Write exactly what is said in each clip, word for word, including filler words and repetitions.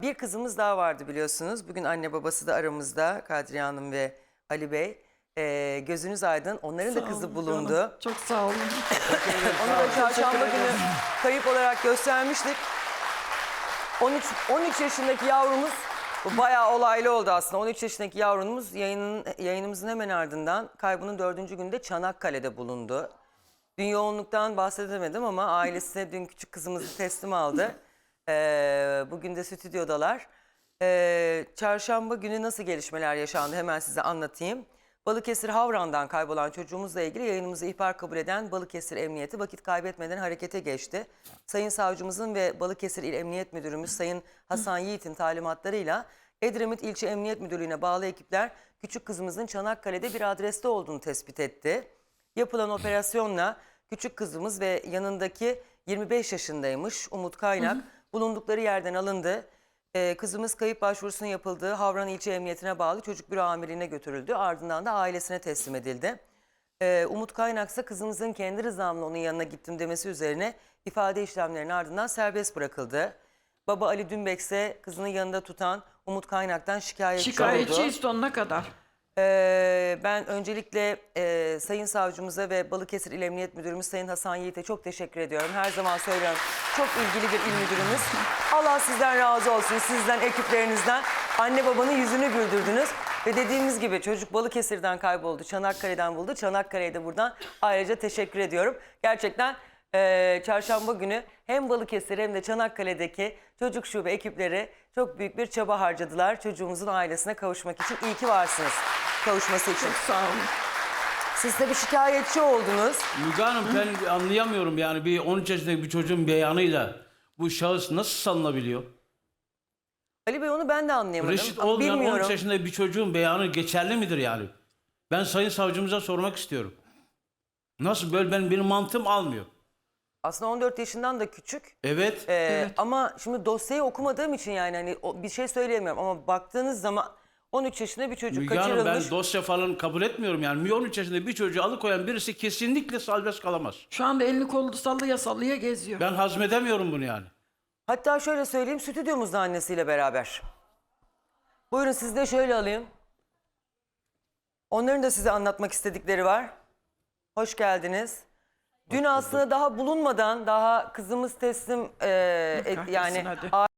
bir kızımız daha vardı biliyorsunuz. Bugün anne babası da aramızda, Kadriye Hanım ve Ali Bey. Ee, gözünüz aydın. Onların Sağ da kızı olun bulundu. canım. Çok sağ olun. Onu da çarşamba günü kayıp olarak göstermiştik. on üç, on üç yaşındaki yavrumuz, bu bayağı olaylı oldu aslında. on üç yaşındaki yavrumuz yayının, yayınımızın hemen ardından kaybının dördüncü günde Çanakkale'de bulundu. Dün yoğunluktan bahsedemedim ama ailesine dün küçük kızımızı teslim aldı. Ee, bugün de stüdyodalar. Ee, çarşamba günü nasıl gelişmeler yaşandı hemen size anlatayım. Balıkesir Havran'dan kaybolan çocuğumuzla ilgili yayınımızı ihbar kabul eden Balıkesir Emniyeti vakit kaybetmeden harekete geçti. Sayın Savcımızın ve Balıkesir İl Emniyet Müdürümüz Sayın Hasan Yiğit'in talimatlarıyla Edremit İlçe Emniyet Müdürlüğü'ne bağlı ekipler küçük kızımızın Çanakkale'de bir adreste olduğunu tespit etti. Yapılan operasyonla küçük kızımız ve yanındaki yirmi beş yaşındaymış Umut Kaynak bulundukları yerden alındı. Ee, kızımız kayıp başvurusunun yapıldığı Havran İlçe Emniyetine bağlı çocuk büro amirliğine götürüldü. Ardından da ailesine teslim edildi. Ee, Umut Kaynak ise kızımızın kendi rızamla onun yanına gittim demesi üzerine ifade işlemlerinin ardından serbest bırakıldı. Baba Ali Dünbek ise kızının yanında tutan Umut Kaynak'tan şikayetçi, Şikayetçi oldu. sonuna kadar. Ee, ben öncelikle e, Sayın Savcımıza ve Balıkesir İl Emniyet Müdürümüz Sayın Hasan Yiğit'e çok teşekkür ediyorum. Her zaman söylüyorum, çok ilgili bir il müdürümüz. Allah sizden razı olsun, sizden, ekiplerinizden. Anne babanın yüzünü güldürdünüz. Ve dediğimiz gibi çocuk Balıkesir'den kayboldu, Çanakkale'den buldu. Çanakkale'ye de buradan ayrıca teşekkür ediyorum. Gerçekten e, çarşamba günü hem Balıkesir hem de Çanakkale'deki çocuk şube ekipleri çok büyük bir çaba harcadılar çocuğumuzun ailesine kavuşmak için. İyi ki varsınız kavuşması için. Çok sağ olun. Siz de bir şikayetçi oldunuz. Müge Hanım ben anlayamıyorum yani bir on üç yaşındaki bir çocuğun beyanıyla bu şahıs nasıl salınabiliyor? Ali Bey onu ben de anlayamadım. Reşit Ama olmayan on bilmiyorum. üç yaşındaki bir çocuğun beyanı geçerli midir yani? Ben Sayın Savcımıza sormak istiyorum. Nasıl böyle benim, benim mantığım almıyor. Aslında on dört yaşından da küçük. Evet. Ee, Evet. Ama şimdi dosyayı okumadığım için yani hani o- bir şey söyleyemiyorum. Ama baktığınız zaman on üç yaşında bir çocuk Müge Hanım kaçırılmış. ben dosya falan kabul etmiyorum yani. on üç yaşında bir çocuğu alıkoyan birisi kesinlikle serbest kalamaz. Şu anda elini kolunu sallaya sallaya geziyor. Ben hazmedemiyorum bunu yani. Hatta şöyle söyleyeyim, stüdyomuzda annesiyle beraber. Buyurun sizi de şöyle alayım. Onların da size anlatmak istedikleri var. Hoş geldiniz. Dün aslında daha bulunmadan, daha kızımız teslim e, et, kahretsin, yani hadi.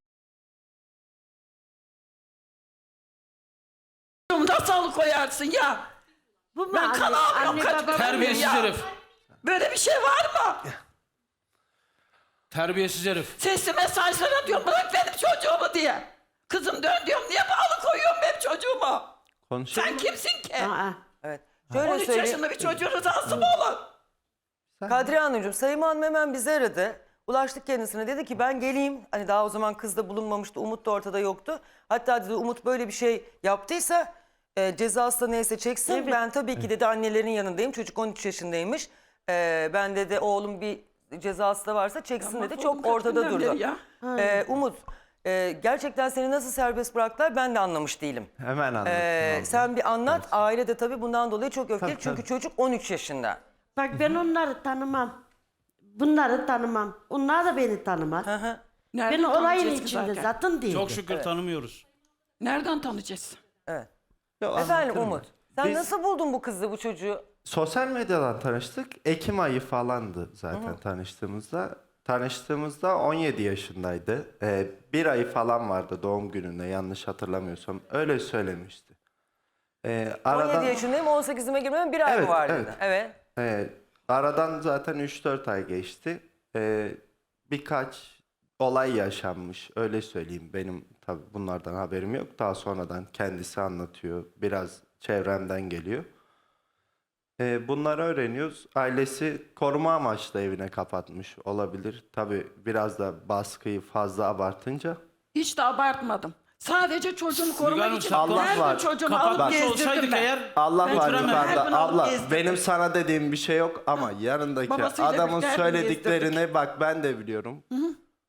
Nasıl alıkoyarsın ya? Bu mu Ben anne, kan ağlıyorum, anne kaç- baba Terbiyesiz Ya. herif. Böyle bir şey var mı? Terbiyesiz herif. Sesli mesajlara diyorum bırak benim çocuğumu diye. Kızım dön diyorum niye alıkoyuyorsun benim çocuğumu? Konuşalım. Sen kimsin ki? Aa, Evet. Şöyle on üç söyleyeyim. yaşında bir çocuğun rızası mı olur? Kadriye Hanımcığım, Sayın Hanım hemen bizi aradı. Ulaştık kendisine, dedi ki ben geleyim. Hani daha o zaman kız da bulunmamıştı, Umut da ortada yoktu. Hatta dedi Umut böyle bir şey yaptıysa e, cezası da neyse çeksin. Evet. Ben tabii ki dedi annelerin yanındayım. Çocuk on üç yaşındaymış. E, ben dedi oğlum bir cezası da varsa çeksin Ya dedi. mahvoldum Çok kaç ortada günden durdu. beri ya. E, Umut, e, gerçekten seni nasıl serbest bıraktılar ben de anlamış değilim. Hemen anlatayım. E, abla. sen bir anlat. Aile de tabii bundan dolayı çok öfkeli. Tabii, Çünkü tabii. çocuk on üç yaşında. bak ben onları tanımam. Bunları tanımam. Onlar da beni tanımaz. Hı hı. Nereden Ben olayın tanıyacağız ki içinde zaten? zaten değilim. Çok şükür tanımıyoruz. Nereden tanıyacağız? Evet. Yok, Efendim anlatırım Umut, ben. sen Biz nasıl buldun bu kızı, bu çocuğu? sosyal medyadan tanıştık. Ekim ayı falandı zaten tanıştığımızda. Tanıştığımızda on yedi yaşındaydı. Ee, bir ayı falan vardı doğum gününde yanlış hatırlamıyorsam. Öyle söylemişti. Ee, aradan, on yedi yaşındayım, on sekizime girmem bir ay mı Evet, var evet. dedi. Evet. Ee, aradan zaten üç dört ay geçti. Ee, birkaç olay yaşanmış. Öyle söyleyeyim. Benim tabii bunlardan haberim yok. Daha sonradan kendisi anlatıyor. Biraz çevremden geliyor. Ee, bunları öğreniyoruz. Ailesi koruma amaçlı evine kapatmış olabilir. Tabii biraz da baskıyı fazla abartınca. Hiç de abartmadım. Sadece çocuğumu Müge korumak Hanım, için sen Allah her var. gün çocuğumu Kapatmış alıp gezdirdim olsaydık ben. eğer Allah Ben var götüremem. Her yukarıda. gün alıp Abla gezdirdim. benim sana dediğim bir şey yok ama yanındaki Babasıyla adamın birlikte her gün söylediklerini bak ben de biliyorum.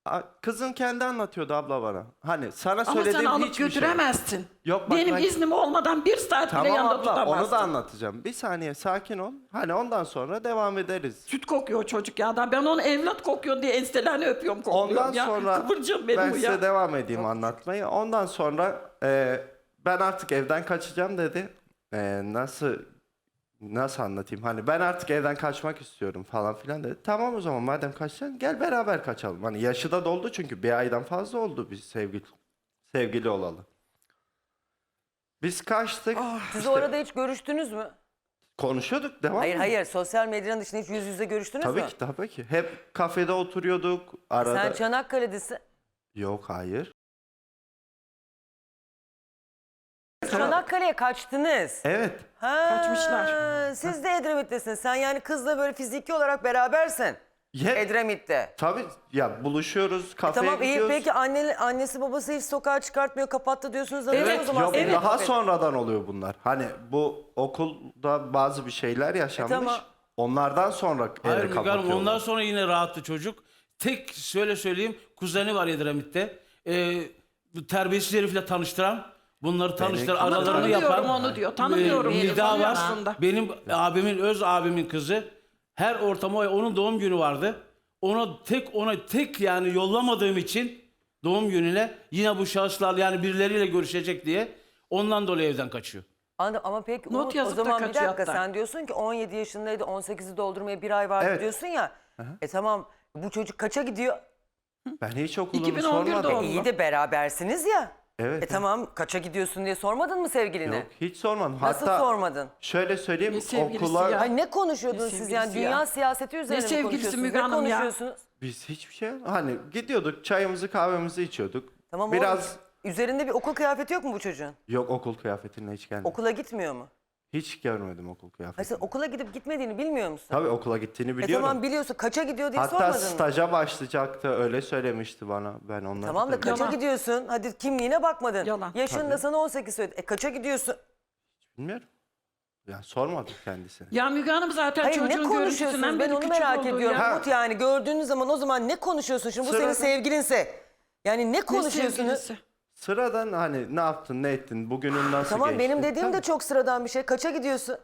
A- Kızın kendi anlatıyordu abla bana. Hani sana Ama sen söylediğim alıp hiçbir şey. götüremezsin. Yok, bak Benim ben- iznim olmadan bir saat bile Tamam yanında abla tutamazsın. onu da anlatacağım. Bir saniye sakin ol. Hani ondan sonra devam ederiz. Süt kokuyor çocuk ya. Ben onu evlat kokuyor diye enselerini öpüyorum kokluyorum Ondan ya. sonra Kıvırcığım benim ben bu size ya. devam edeyim anlatmayı. Ondan sonra e, ben artık evden kaçacağım dedi. E, nasıl nasıl anlatayım? Hani ben artık evden kaçmak istiyorum falan filan dedi. Tamam o zaman madem kaçacaksın gel beraber kaçalım. Hani yaşı da doldu çünkü bir aydan fazla oldu biz sevgili sevgili olalı. Biz kaçtık. Siz İşte orada hiç görüştünüz mü? konuşuyorduk devam Hayır mı? hayır, sosyal medyanın dışında hiç yüz yüze görüştünüz Tabii mü? ki tabii ki. Hep kafede oturuyorduk. Arada. Sen Çanakkale'desin. Yok hayır. Çanakkale'ye kaçtınız. Evet. Ha, Kaçmışlar. Siz de Edremit'tesiniz. Sen yani kızla böyle fiziki olarak berabersin. Hep, Edremit'te. tabii ya buluşuyoruz, kafeye Tamam iyi, gidiyoruz. peki anne, annesi babası hiç sokağa çıkartmıyor, kapattı diyorsunuz. Neden Evet, o zaman Yok senin daha kafede? sonradan oluyor bunlar. Hani bu okulda bazı bir şeyler yaşanmış. E, tamam. Onlardan sonra Hayır eve Müge Hanım, kapatıyorlar. ondan sonra yine rahattı çocuk. Tek şöyle söyleyeyim, kuzeni var Edremit'te. Ee, bu terbiyesiz herifle tanıştıran, bunları tanıştıran, Ama aralarını tanımıyorum yapan. onu diyor, tanımıyorum e, diyor, Nida tanıyor var. aslında. Benim abimin, öz abimin kızı. Her ortama onun doğum günü vardı. Ona tek ona tek yani yollamadığım için doğum gününe yine bu şahıslar yani birileriyle görüşecek diye ondan dolayı evden kaçıyor. Anladım ama peki Not Umut, o yazıp da zaman bir kaçıyor dakika hatta. sen diyorsun ki on yedi yaşındaydı, on sekizi doldurmaya bir ay vardı Evet. diyorsun ya. E tamam, bu çocuk kaça gidiyor? Ben hiç okulumu iki bin on birde sormadım. oldu. İyi de berabersiniz ya. Evet. E tamam, kaça gidiyorsun diye sormadın mı sevgiline? Yok hiç sormadım. Nasıl Hatta sormadın? şöyle söyleyeyim Ne sevgilisi okula ya? Ay ne konuşuyordunuz Ne siz yani, sevgilisi ya? dünya siyaseti üzerine mi sevgilisi konuşuyorsunuz? Müge Ne Hanım ya? konuşuyorsunuz? biz hiçbir şey hani gidiyorduk çayımızı kahvemizi içiyorduk. Tamam Biraz oğlum, üzerinde bir okul kıyafeti yok mu bu çocuğun? yok okul kıyafetinle hiç gelmedi. Okula gitmiyor mu? Hiç görmedim okul Hayır, kıyafetini. sen okula gidip gitmediğini bilmiyor musun? Tabii okula gittiğini E biliyorum. tamam biliyorsun, kaça gidiyor diye Hatta sormadın mı? staja başlayacaktı öyle söylemişti bana. Ben onları Tamam da kaça Yalan. gidiyorsun? Hadi kimliğine bakmadın. Yalan. Yaşın da Tabii. sana on sekiz söyledi. E kaça gidiyorsun? bilmiyorum. Ya sormadım kendisine. Ya Müge Hanım zaten Hayır ne çocuğun konuşuyorsunuz? görüntüsünden Ben beri onu küçük merak oldu ediyorum. ya. Umut yani gördüğünüz zaman o zaman ne konuşuyorsun? Şimdi bu senin Sırada- sevgilinse. Yani ne Ne konuşuyorsunuz? sevgilisi? Sıradan hani ne yaptın ne ettin bugünün nasıl Tamam geçti? benim dediğim de Tabii. çok sıradan bir şey. Kaça gidiyorsun?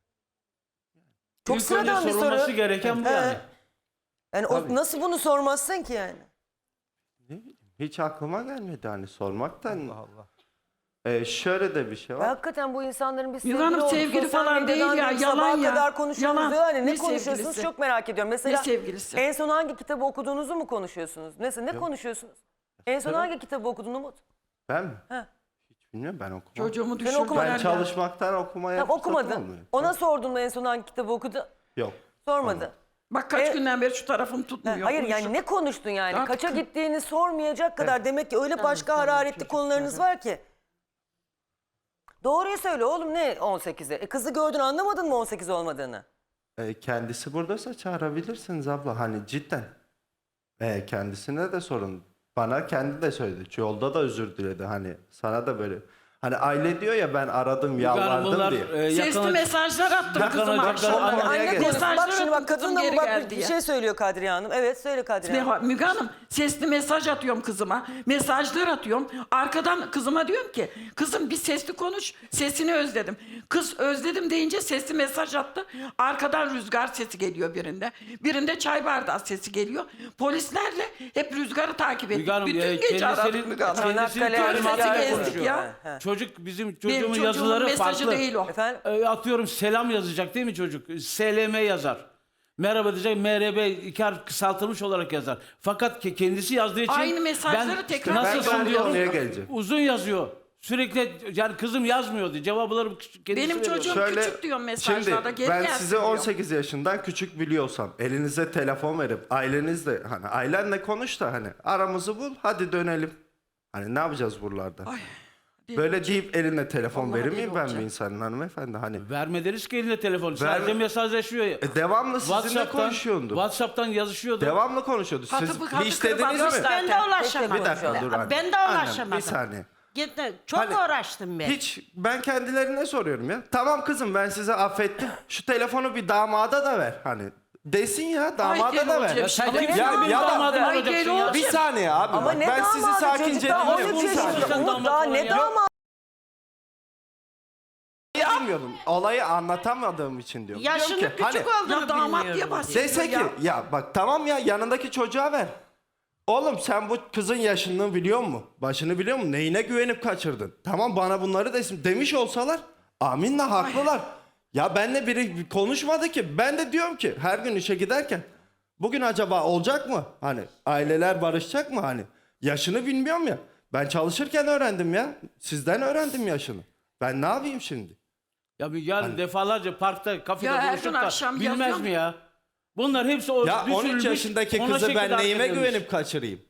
Çok İlk sıradan önce bir soru. sorulması gereken bu He. yani. Yani o, Tabii. nasıl bunu sormazsın ki yani? Ne bileyim, hiç aklıma gelmedi hani sormaktan. Allah Allah. Ee, şöyle de bir şey Ve var. hakikaten bu insanların bir Müge sevgili Hanım olduğu, sevgili sosyal falan değil medyadan ya, değil, yalan sabaha ya. kadar konuşuyorsunuz Yalan. diyor. Hani ne, Ne konuşuyorsunuz sevgilisi? çok merak ediyorum. Mesela Ne sevgilisi? en son hangi kitabı okuduğunuzu mu konuşuyorsunuz? Neyse ne konuşuyorsunuz? En son Mesela- hangi kitabı okudun Umut? Ben mi? He. Hiç bilmiyorum ben okumam. Çocuğumu okumadın. düşürdüler Ben ya. çalışmaktan okumaya Tamam fırsatım okumadın. olmuyor. Ona sordun mu en son hangi kitabı okudu? Yok. Sormadı. Bak kaç E- günden beri şu tarafım Ha, tutmuyor. hayır yani konuşup. ne konuştun yani? Artık- Kaça gittiğini sormayacak kadar demek ki öyle başka hararetli konularınız var ki. Doğruyu söyle oğlum, ne on sekize? E kızı gördün, anlamadın mı on sekiz olmadığını? Ee, kendisi buradaysa çağırabilirsiniz abla hani cidden. Ee, kendisine de sorun. Bana kendi de söyledi. Yolda da özür diledi hani sana da böyle. Hani aile diyor ya ben aradım Müge Hanım, yalvardım bunlar, diye. e, Sesli yakına- mesajlar attım Yakına- kızıma yakına- akşam. Ama- Anne Mesajlar konusu. Bak şimdi bak attım, kızım kadın da geri bak geldi bir ya. şey söylüyor Kadriye Hanım. Evet söyle Kadriye Hanım. Ne, Müge Hanım sesli mesaj atıyorum kızıma. Mesajlar atıyorum. Arkadan kızıma diyorum ki kızım bir sesli konuş. Sesini özledim. Kız özledim deyince sesli mesaj attı. Arkadan rüzgar sesi geliyor birinde. Birinde çay bardağı sesi geliyor. Polislerle hep rüzgarı takip ettik. Müge Hanım, Bütün e, gece aradık kendisinin, Müge Hanım. kendisinin Çanakkale talimatıyla gezdik konuşuyor. ya. He. Çocuk bizim Benim çocuğumun çocuğumun yazıları mesajı farklı. değil o. Efendim? E, atıyorum selam yazacak değil mi çocuk? S L M yazar. Merhaba diyecek, M R B iki harf kısaltılmış olarak yazar. Fakat ke- kendisi yazdığı için Aynı mesajları ben tekrar nasılsın Ben de diyorum. oraya geleceğim. Uzun yazıyor. Sürekli yani kızım yazmıyordu. Cevapları kendisi Benim veriyor. çocuğum Şöyle, küçük diyor mesajlarda. Şimdi Geri ben gelsin size diyor. on sekiz yaşından küçük biliyorsam elinize telefon verip ailenizle hani ailenle konuş da hani aramızı bul hadi dönelim. Hani ne yapacağız buralarda? Ay, Böyle deyip eline telefon Vallahi verir deli miyim ben olacağım. bir insanın hanımefendi hani? Vermediniz ki eline telefonu. Sadece Verme- mesajlaşıyor. ya. E, devamlı sizinle WhatsApp'tan, konuşuyordu. Whats'llap'tan yazışıyordu. Devamlı konuşuyordu. Siz Hatı- hatı hiç kırıp dediniz mi? atmışlar. Ben de Zaten. ulaşamadım. Bir dakika dur anne. Ben de Annem, ulaşamadım. bir saniye. Gitti. Çok Hani uğraştım ben. Hiç ben kendilerine soruyorum ya. Tamam kızım ben size affettim. Şu telefonu bir damada da ver. Hani Desin ya, damada Ay, da gel ver. olacak. Ya sen Ama kimsin ne benim ya da- damadım Ay, olacaksın gel ya? olacak. Bir saniye abi. Ama bak, ne ben sizi damadı sakince çocuk daha dinliyorum. on üç Bir saniye. yaşında. Sen Umut damat daha falan ne ya. damadı? Bilmiyorum. Olayı anlatamadığım için diyorum. Diyorum Yaşının ki, küçük hani, olduğunu Ya damat bilmiyorum. diye bahsediyor dese ki ya. ya bak tamam ya, yanındaki çocuğa ver. Oğlum sen bu kızın yaşını biliyor musun? Başını biliyor musun? Neyine güvenip kaçırdın? Tamam, bana bunları desin. Demiş olsalar aminle haklılar. Ya benle biri konuşmadı ki. Ben de diyorum ki her gün işe giderken bugün acaba olacak mı? Hani aileler barışacak mı hani? Yaşını bilmiyorum ya. Ben çalışırken öğrendim ya. Sizden öğrendim yaşını. Ben ne yapayım şimdi? Ya bir yarın defalarca parkta, kafede Ya her buluşup gün da akşam bilmez yazıyorum. mi ya? Bunlar hepsi o Ya on üç düşünülmüş, yaşındaki ona kızı şekilde ben neyime hareket edilmiş. güvenip kaçırayım?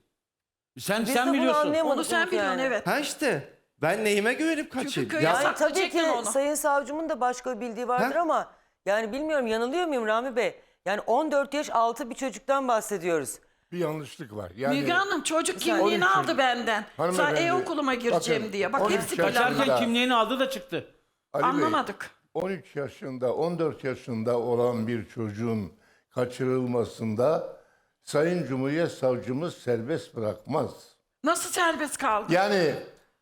Sen Biz de sen bunu biliyorsun. anlayamadık Onu sen Umut biliyorsun yani. evet. Ha işte ben neyime güvenip kaçayım? köye Ya, sak- Yani tabii ki Saklayacaktın onu. Sayın Savcımın da başka bir bildiği vardır Ha? ama yani bilmiyorum, yanılıyor muyum Rami Bey? Yani on dört yaş altı bir çocuktan bahsediyoruz. Bir yanlışlık var. Yani Müge Hanım çocuk on kimliğini üç aldı çocuk. benden. Sen Hanımefendi, e-okuluma gireceğim bakın, diye. Bak on üç hepsi yaşında- planlı. Kaçarken kimliğini aldı da çıktı. Ali Bey, Anlamadık. on üç yaşında, on dört yaşında olan bir çocuğun kaçırılmasında Sayın Cumhuriyet Savcımız serbest bırakmaz. Nasıl serbest kaldı? Yani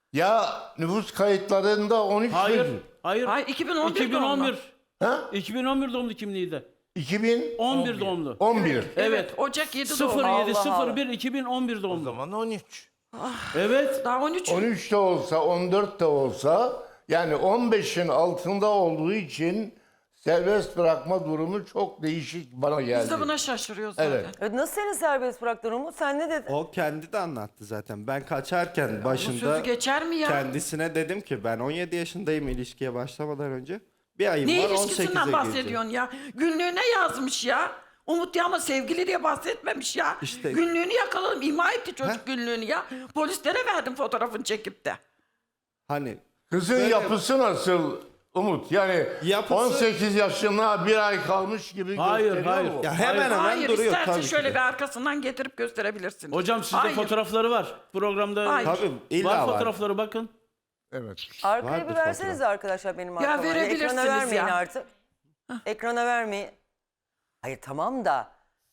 ya nüfus kayıtlarında on üç Hayır. çocuk. Hayır. Ay, iki bin on bir iki bin on bir. Ha? iki bin on bir doğumlu kimliği de. iki bin on bir doğumlu. on bir. Evet. Ocak yedi sıfır doğumlu. yedi Allah sıfır bir iki bin on bir doğumlu. zaman on üç. Evet. Daha on üç. on üç de olsa, on dört de olsa yani on beşin altında olduğu için serbest bırakma durumu çok değişik bana geldi. Biz de buna şaşırıyoruz zaten. Evet. Evet, nasıl seni serbest bıraktın Umut? Sen ne dedin? o kendi de anlattı zaten. Ben kaçarken Bu başında sözü geçer mi ya? kendisine dedim ki ben on yedi yaşındayım ilişkiye başlamadan önce. Bir ayım Ne var on ilişkisinden sekize gireceğim. bahsediyorsun ya? Günlüğüne yazmış ya. Umut ya ama sevgili diye bahsetmemiş ya. İşte- Günlüğünü yakaladım. İma etti çocuk Heh. günlüğünü ya. Polislere verdim fotoğrafını çekip de. Hani Kızın Böyle- yapısı nasıl Umut? Yani Yapısı- on sekiz yaşına bir ay kalmış gibi Hayır, gösteriyor hayır. mu? ya hemen hemen Hayır duruyor istersen tabii ki şöyle de. bir arkasından getirip gösterebilirsiniz. Hocam sizde Hayır. fotoğrafları var. Programda Hayır. Tabii illa var var. fotoğrafları bakın. Evet. Arkaya Vardır bir verseniz arkadaşlar benim Ya arkama. verebilirsiniz Ekrana vermeyin ya. artık. Ekrana vermeyin. Hayır tamam da.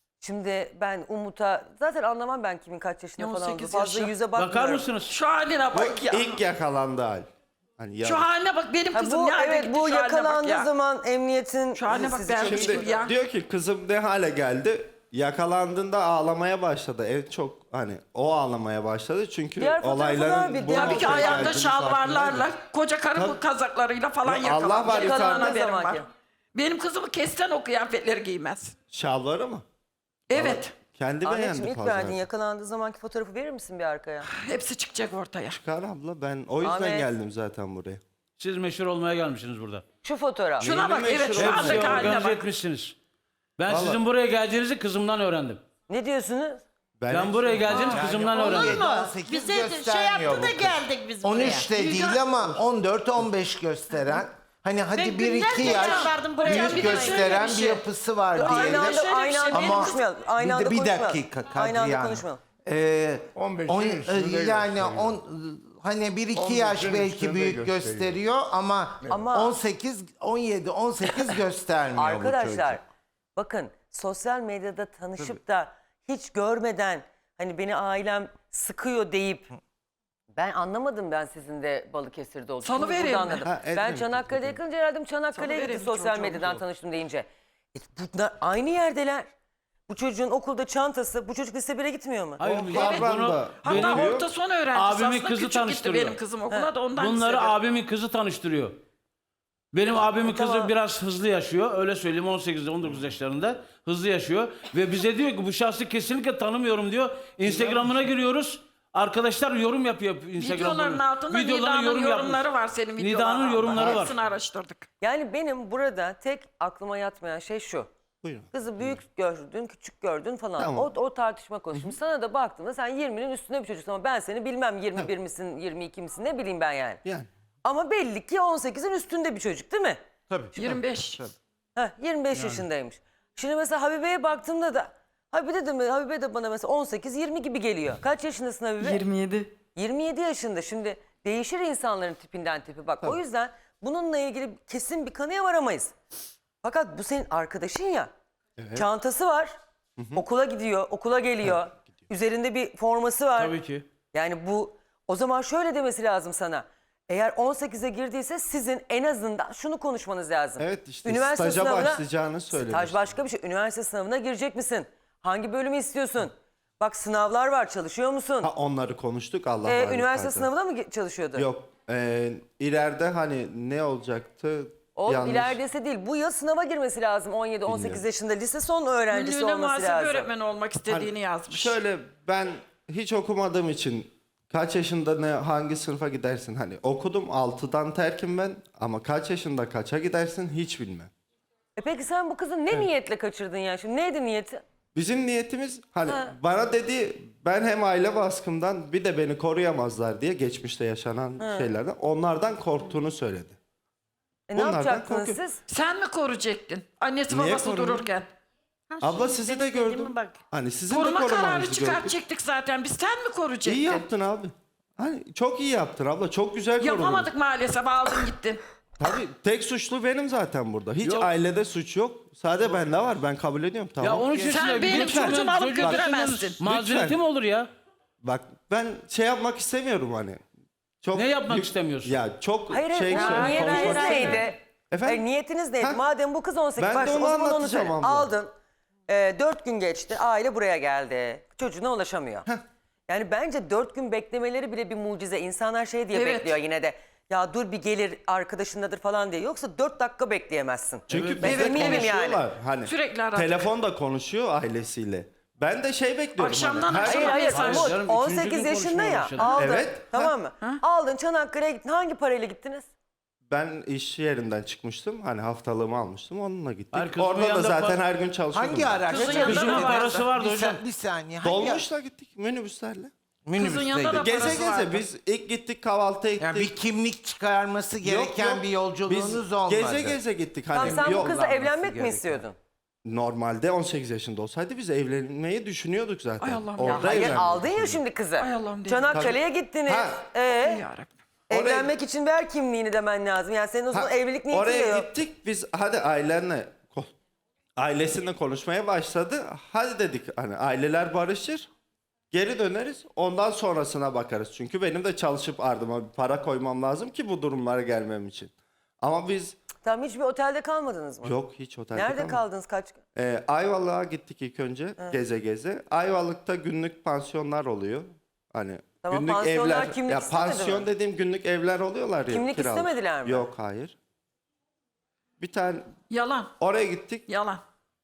Şimdi ben Umut'a zaten anlamam ben kimin kaç yaşında Ne falan on olduğunu. sekiz Fazla yaşı? yüze bakmıyorum. Bakar mısınız? Şu haline Bu bak ya. ilk yakalandı hal. Hani ya- Şu haline bak benim Ha, kızım bu ne hale evet gitti, bu şu haline bak yakalandığı ya. zaman emniyetin Şu haline bak, sizi ben- çekişti. Şimdi ya. diyor ki kızım ne hale geldi? Yakalandığında ağlamaya başladı. En çok hani o ağlamaya başladı çünkü Diğer fotoğrafı var olayların bir, bu diğer Tabii ki noktaya ayağında geldiğini şalvarlarla, farkındaydı. koca karı Tabii. kazaklarıyla falan Ya Allah yakalanmış. var, Yakalanan yukarıda haberim var. zamanki. Benim kızımı kesten o kıyafetleri giymez. Şalvarı mı? Evet. Kendi Anneciğim beğendi ilk fazla. verdiğin yakalandığı zamanki fotoğrafı verir misin bir arkaya? Hepsi çıkacak ortaya. Çıkar abla, ben o yüzden Ahmet. geldim zaten buraya. Siz meşhur olmaya gelmişsiniz burada. Şu fotoğraf. Şuna bak meşhur evet şu olmuş Hepsi andaki haline organize bak. etmişsiniz. Ben Vallahi. sizin buraya geldiğinizi kızımdan öğrendim. Ne diyorsunuz? Ben buraya geldiğinizi kızımdan Olur öğrendim. mu? Bize sekiz de şey göstermiyor yaptı da bu kız. geldik biz on buraya. üç de değil ama on dört on beş gösteren. Hani hadi Ben bir iki günlerce yaş çağırdım buraya. büyük Bir de gösteren şöyle bir bir şey. yapısı var Aynı diyelim. anda, şöyle bir aynı şey, anda benim konuşmayalım. Aynı bir, anda de, bir konuşmayalım. dakika Aynı anda Kadriye konuşmayalım. Hanım. Ee, on beşin on, üstünde yani gösteriyor. on hani bir iki on yaş beşin belki üstünde büyük gösteriyor. gösteriyor ama, Ama- on sekiz on yedi on sekiz göstermiyor bu Arkadaşlar çocuk. bakın sosyal medyada tanışıp da hiç görmeden hani beni ailem sıkıyor deyip ben anlamadım, ben sizin de Balıkesir'de olduğunuzu. Salı Şimdi vereyim burada mi? anladım. Ha, Ben Edremit Çanakkale'ye dedim. yakınca herhalde Çanakkale'ye Salı gitti vereyim sosyal çocuğum. medyadan tanıştım deyince. E, bunlar aynı yerdeler. Bu çocuğun okulda çantası, bu çocuk lise bire gitmiyor mu? Hayır, Evet. bunu da Hatta benim, orta son öğrencisi abimin aslında kızı küçük gitti tanıştırıyor. benim kızım okula da ondan bunları lisede. abimin kızı tanıştırıyor. Benim abimin kızı tamam. biraz hızlı yaşıyor. Öyle söyleyeyim, on sekizde on dokuz yaşlarında hızlı yaşıyor. Ve bize diyor ki bu şahsı kesinlikle tanımıyorum diyor. Instagram'ına giriyoruz. Arkadaşlar yorum yapıyor Instagram'da. Videoların altında Videolarına Nida'nın yorum yorumları yapmış. var senin videolarında. Nida'nın yorumları var. Hepsini araştırdık. Yani benim burada tek aklıma yatmayan şey şu. Buyurun. Kızı büyük gördün, küçük gördün falan. Tamam. O, o tartışma konusu. Şimdi sana da baktığımda sen yirminin üstünde bir çocuksun ama ben seni bilmem yirmi bir misin, yirmi iki misin ne bileyim ben yani. Yani. Ama belli ki on sekizin üstünde bir çocuk değil mi? Tabii. yirmi beş. Heh, yirmi beş yaşındaymış. Şimdi mesela Habibe'ye baktığımda da Habibe de, Habibe de bana mesela on sekiz yirmi gibi geliyor. Kaç yaşındasın Habibe? yirmi yedi. yirmi yedi yaşında. Şimdi değişir insanların tipinden tipi. Bak o yüzden bununla ilgili kesin bir kanıya varamayız. Fakat bu senin arkadaşın ya. Çantası var. Okula gidiyor, okula geliyor. Üzerinde bir forması var. Tabii ki. Yani bu o zaman şöyle demesi lazım sana. Eğer on sekize girdiyse sizin en azından şunu konuşmanız lazım. Evet, işte staja başlayacağını söylemiş. Staj başka bir şey. Üniversite sınavına girecek misin? Hangi bölümü istiyorsun? Bak sınavlar var, çalışıyor musun? Ha, onları konuştuk Allah Ee, var üniversite zaten. sınavına mı ge- çalışıyordu? Yok. E, ileride hani ne olacaktı? O Yanlış- ileridesi değil. Bu yıl sınava girmesi lazım on yedi on sekiz Bilmiyorum. yaşında. Lise son öğrencisi Ünlüğüne olması muhasebe lazım. öğretmeni olmak istediğini Hani yazmış. Şöyle, ben hiç okumadığım için kaç yaşında ne hangi sınıfa gidersin? Hani okudum, altıdan terkim ben, ama kaç yaşında kaça gidersin hiç bilmem. E peki sen bu kızı ne niyetle kaçırdın ya? Şimdi neydi niyeti? Bizim niyetimiz hani Ha. bana dedi, ben hem aile baskımdan bir de beni koruyamazlar diye geçmişte yaşanan şeylerden, onlardan korktuğunu söyledi. E ne Bunlardan yapacaktınız korkuyor. siz? Sen mi koruyacaktın? Annesi Niye babası koruyayım? dururken. Ha, Abla şimdi sizi benim de dediğime gördüm. Bak. Hani sizin de Koruma kararı korumanızı gördüm. çıkartacaktık zaten. Biz sen mi koruyacaktın? İyi yaptın abi. Hani çok iyi yaptın abla. Çok güzel korudun. Yapamadık maalesef, aldın gittin. Tabii tek suçlu benim zaten burada. Hiç Yok. ailede suç yok. Sadece bende var. Ben kabul ediyorum. Tamam. Ya on üç yaşında Sen benim lütfen. çocuğumu alıp Çocuğun götüremezsin. Mazereti Lütfen. mi olur ya? Bak ben şey yapmak istemiyorum hani. Çok Ne yapmak istemiyorsun? Ya çok Hayır, şey hayır. söyle- niyetiniz konuşmak istemiyorum. neydi? Efendim? Hayır, niyetiniz neydi? Ha? Madem bu kız on sekiz, Ben bak de o onu zaman onu anlatacağım söyle. abla. Aldın. E, dört gün geçti. Aile buraya geldi. Çocuğuna ulaşamıyor. Yani bence dört gün beklemeleri bile bir mucize. İnsanlar şey diye Evet. bekliyor yine de. Ya dur bir gelir arkadaşındadır falan diye. Yoksa dört dakika bekleyemezsin. Çünkü Ben bizle eminim konuşuyorlar. yani. Hani Sürekli aradık. telefonda konuşuyor ailesiyle. Ben de şey bekliyorum. Akşamdan hani. Her- akşama Hayır hayır mesaj. Umut Canım, on üçüncü sekiz gün yaşında konuşmaya ya. başladık. Aldın. Evet. Tamam mı? Aldın Çanakkale'ye gittin. Hangi parayla gittiniz? Ben iş yerinden çıkmıştım. Hani haftalığımı almıştım. Onunla gittik. Hayır, kızımın Orada da yanında zaten pa- her gün çalışıyordum. Hangi ben. araç? Kızın Kızın yanında Kızımın da vardı. parası vardı bir, hocam. sa- bir saniye. Hangi Dolmuşla gittik minibüslerle. Kızın yanında da Geze parası geze vardı. biz ilk gittik kahvaltı ettik. Yani bir kimlik çıkarması Yok, gereken yok. bir yolculuğunuz Biz olmadı. Geze geze gittik. Tamam, Hani sen bu yol- kızla evlenmek mi gereken. istiyordun? Normalde on sekiz yaşında olsaydı biz evlenmeyi düşünüyorduk zaten. Ay Allah'ım ya. Orada Hayır evlendik. aldın ya şimdi kızı. Ay Allah'ım, değil mi? Çanakkale'ye gittiniz. Ha. Ee, Yarabbim. evlenmek için ver kimliğini demen lazım. Yani senin o zaman Ha, evlilik niyeti de oraya yok. gittik biz, hadi ailenle ko- ailesiyle konuşmaya başladı. Hadi dedik hani aileler barışır. Geri döneriz. Ondan sonrasına bakarız. Çünkü benim de çalışıp ardıma bir para koymam lazım ki bu durumlara gelmem için. Ama biz Tamam, hiçbir otelde kalmadınız mı? yok hiç otelde Nerede kalmadık. kaldınız kaç gün? Ee, Ayvalık'a gittik ilk önce geze geze. Ayvalık'ta günlük pansiyonlar oluyor. Hani Tamam, günlük pansiyonlar evler. kimlik Ya istemedi pansiyon mi? dediğim günlük evler oluyorlar ya. Kimlik kiralık. istemediler mi? Yok, hayır. Bir tane Yalan. oraya gittik. Yalan.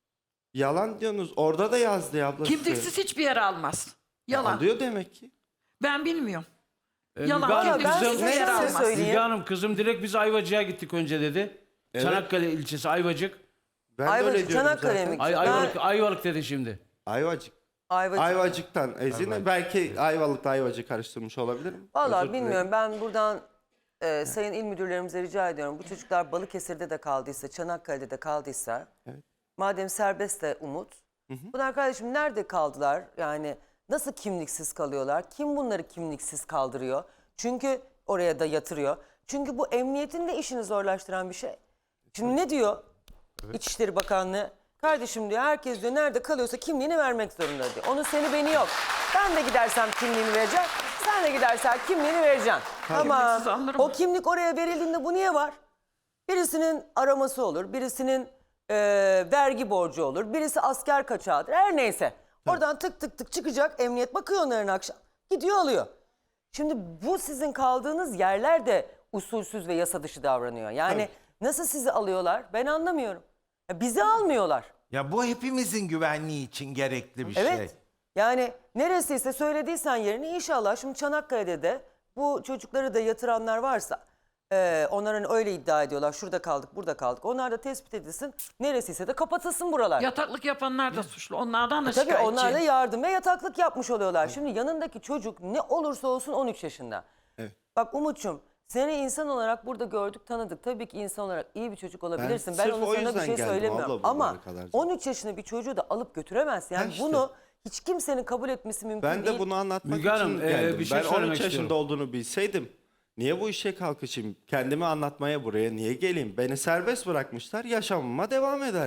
Yalan diyorsunuz. Orada da yazdı ya abla. size. Kimliksiz hiçbir yere almaz. Yalan. Alıyor demek ki. Ben bilmiyorum. Ee, Yalan. Müge Hanım, Ya ben kızım- size yer şöyle almaz. söyleyeyim. Müge Hanım kızım direkt biz Ayvacık'a gittik önce dedi. Evet. Çanakkale ilçesi Ayvacık. Ben de Ayvacık, öyle diyorum Çanakkale'ye zaten. mi? Ay, Ben- Ayvalık, Ayvalık dedi şimdi. Ayvacık. Ayvacık. Ayvacık'tan Ezine. Belki Ayvalık'ta Ayvacık karıştırmış olabilirim. Vallahi Özür dilerim. bilmiyorum. Ben buradan e, sayın il müdürlerimize rica ediyorum. Bu çocuklar Balıkesir'de de kaldıysa, Çanakkale'de de kaldıysa, madem serbest de Umut, bunlar kardeşim nerede kaldılar? Yani nasıl kimliksiz kalıyorlar? Kim bunları kimliksiz kaldırıyor? Çünkü oraya da yatırıyor. Çünkü bu emniyetin de işini zorlaştıran bir şey. Şimdi ne diyor İçişleri Bakanlığı? Kardeşim diyor, herkes diyor nerede kalıyorsa kimliğini vermek zorunda diyor. Onun seni beni yok. Ben de gidersem kimliğini vereceğim. Sen de gidersen kimliğini vereceksin. Ama Kimliksiz alınır mı? o kimlik oraya verildiğinde bu niye var? Birisinin araması olur, birisinin e, vergi borcu olur, birisi asker kaçağıdır, her neyse. Oradan tık tık tık çıkacak, emniyet bakıyor onların akşam, gidiyor alıyor. Şimdi bu sizin kaldığınız yerler de usulsüz ve yasa dışı davranıyor. Yani nasıl sizi alıyorlar ben anlamıyorum. Ya bizi almıyorlar. Ya bu hepimizin güvenliği için gerekli bir Evet. şey. Yani neresiyse söylediysen yerini inşallah şimdi Çanakkale'de de bu çocukları da yatıranlar varsa e, onların öyle iddia ediyorlar. Şurada kaldık, burada kaldık. Onlar da tespit edilsin. Neresiyse de kapatılsın buralar. Yataklık yapanlar da suçlu. Onlardan da Tabii şikayetçi. onlar da yardım ve yataklık yapmış oluyorlar. Şimdi yanındaki çocuk ne olursa olsun on üç yaşında. Evet. Bak Umut'cum seni insan olarak burada gördük, tanıdık. Tabii ki insan olarak iyi bir çocuk olabilirsin. Ben, sırf onu o sana bir yüzden şey geldim söylemiyorum. abla buralara Ama kadar. on üç yaşında bir çocuğu da alıp götüremezsin. Yani Ha işte. bunu hiç kimsenin kabul etmesi mümkün Ben değil. de bunu anlatmak Müge Hanım, için e, geldim. bir şey ben on söylemek üç yaşında istiyorum. olduğunu bilseydim niye bu işe kalkışayım? Kendimi anlatmaya buraya niye geleyim? Beni serbest bırakmışlar, yaşamıma devam ederdim.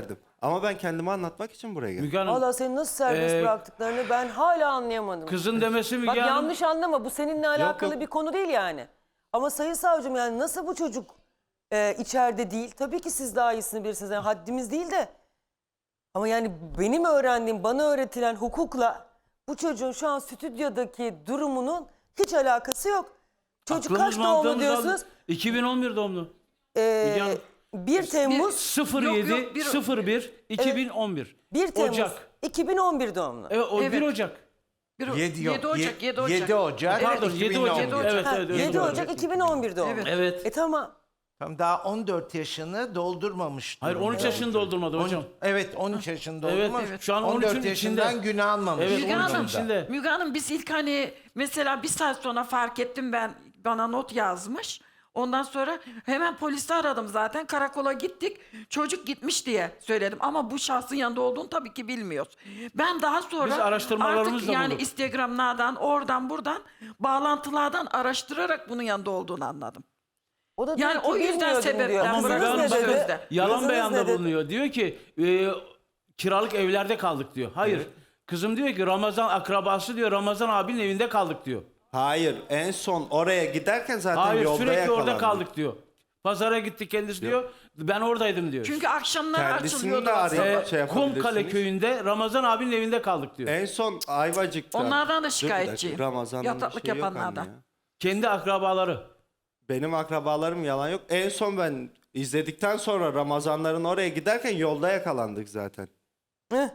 Ama ben kendimi anlatmak için buraya geldim. Müge Hanım, Valla seni nasıl serbest Ee, bıraktıklarını ben hala anlayamadım. kızın demesi Müge Bak Hanım... yanlış anlama, bu seninle alakalı yok. bir konu değil yani. Ama sayın savcım, yani nasıl bu çocuk e, içeride değil? Tabii ki siz daha iyisini bilirsiniz. Yani haddimiz değil de. Ama yani benim öğrendiğim, bana öğretilen hukukla bu çocuğun şu an stüdyodaki durumunun hiç alakası yok. Çocuk Aklımız kaç doğumlu mantığımız diyorsunuz? aldı. iki bin on bir doğumlu. Ee, Müge Hanım. bir Temmuz, sıfır Yok, yedi yok, bir- sıfır bir iki bin on bir. bir Temmuz Ocak. iki bin on bir doğumlu. Evet, o Evet. bir Ocak. Bir, yedi, yok, yedi Ocak, ye- yedi Ocak. yedi Ocak. Pardon, yedi iki bin on Ocak. bir. Evet, Ha, evet, evet, yedi doğru. Ocak iki bin on bir doğumlu. Evet. Evet. E tamam. Tamam, daha on dört yaşını doldurmamış. Hayır, on üç durumda. yaşını doldurmadı On- hocam. Evet, on üç yaşında Evet, olmuş. evet. Şu an on on dört üçün yaşından içinde. günah almamış. Evet, Müge on üçün Hanım, içinde. Müge Hanım biz ilk hani mesela bir saat sonra fark ettim, ben bana not yazmış. Ondan sonra hemen polisi aradım zaten, karakola gittik. Çocuk gitmiş diye söyledim ama bu şahsın yanında olduğunu tabii ki bilmiyoruz. Ben daha sonra Biz araştırmalarımızla artık yani bulduk. Instagram'lardan, oradan buradan bağlantılardan araştırarak bunun yanında olduğunu anladım. O da Yani diyor ki o yüzden bilmiyordum sebepten diyor. Ama Kızınız Müge Hanım ne bakın, dedi? sözde. yalan Kızınız ne beyanda dedi? bulunuyor. Diyor ki e, kiralık evlerde kaldık diyor. Hayır. Kızım diyor ki Ramazan akrabası diyor, Ramazan abinin evinde kaldık diyor. Hayır, en son oraya giderken zaten Hayır, yolda sürekli yakalandı. orada kaldık diyor. Pazara gittik kendisi diyor. Ben oradaydım diyor. Çünkü akşamlar Kendisini açılıyordu. de WhatsApp. arayıp Ee, şey yapabilirsiniz. Kumkale köyünde Ramazan abinin evinde kaldık diyor. En son Ayvacık'ta. Onlardan da Dur bir dakika, şikayetçiyim. Ramazan'ın Yataklık bir şey yok yapanlardan. anne ya. Kendi akrabaları. Benim akrabalarım yalan yok. En son ben izledikten sonra Ramazanların oraya giderken yolda yakalandık zaten. Heh.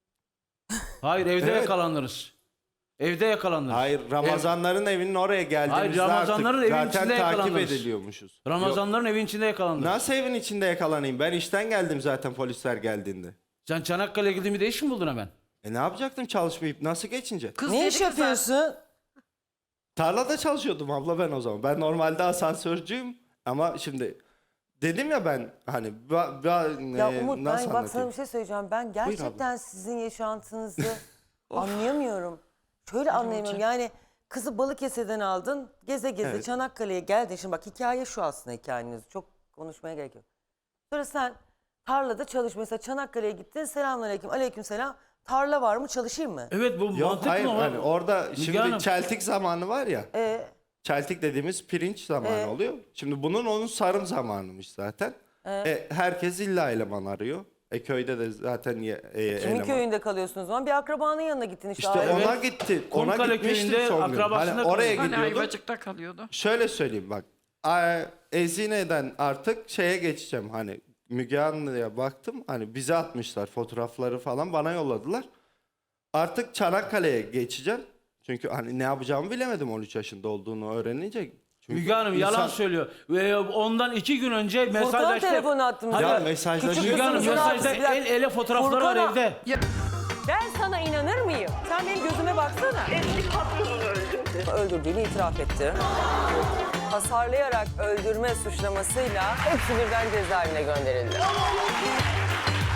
Hayır, evde Evet. yakalanırız. Evde yakalanırız. Hayır, Ramazanların evinin oraya geldiğimizde Hayır, Ramazanların artık evin zaten içinde takip yakalanırız. ediliyormuşuz. Ramazanların evin içinde Yok, yakalanırız. nasıl evin içinde yakalanayım? Ben işten geldim zaten polisler geldiğinde. Sen Çanakkale'ye gidimi de iş mi buldun hemen? E ne yapacaktım çalışmayıp nasıl geçince? Kız Ne dedi iş ki zaten- yapıyorsun? Tarlada çalışıyordum abla ben o zaman. Ben normalde asansörcüyüm ama şimdi dedim ya ben hani ba, ba- Ya e, Umut, nasıl ben bak sana anlatayım? bir şey söyleyeceğim. Ben abla. gerçekten sizin yaşantınızı anlayamıyorum. Şöyle anlayamıyorum. Yani kızı Balıkesir'den aldın, geze geze Evet. Çanakkale'ye geldin. Şimdi bak hikaye şu aslında, hikayeniz. Çok konuşmaya gerek yok. Sonra sen tarlada çalış. Mesela Çanakkale'ye gittin, selamünaleyküm, aleykümselam. Tarla var mı, çalışayım mı? Evet, bu Yok mantık hayır mı? hani orada Müge şimdi Hanım. çeltik zamanı var ya. Ee, Çeltik dediğimiz pirinç zamanı Ee? oluyor. Şimdi bunun onun sarım zamanıymış zaten. E, herkes illa eleman arıyor. E köyde de zaten ye, e, kimin eleman. köyünde kalıyorsunuz o zaman? Bir akrabanın yanına gittin işte. İşte aile. ona gitti. Ona Kumkale gitmiştim köyünde son gün. akrabasında Hani oraya kalıyor. Hani gidiyordum. Ayvacık'ta kalıyordu. Şöyle söyleyeyim bak. a- Ezine'den artık şeye geçeceğim. Hani Müge Anlı'ya baktım. Hani bize atmışlar fotoğrafları falan bana yolladılar. Artık Çanakkale'ye geçeceğim. Çünkü hani ne yapacağımı bilemedim on üç yaşında olduğunu öğrenince. Çünkü Müge Hanım yalan insan- söylüyor. Ve ondan iki gün önce Furkan'a mesajlaştı. telefon attım. Hadi. Ya Küçük mesajlaşıyor. Müge Hanım kızımızın mesajda abisi. Bir dakika. el ele fotoğrafları var Furkan'a- evde. Ben sana inanır mıyım? Sen benim gözüme baksana. Eski patronunu öldürdü. Öldürdüğünü itiraf etti. Hasarlayarak öldürme suçlamasıyla hepsi birden cezaevine gönderildi.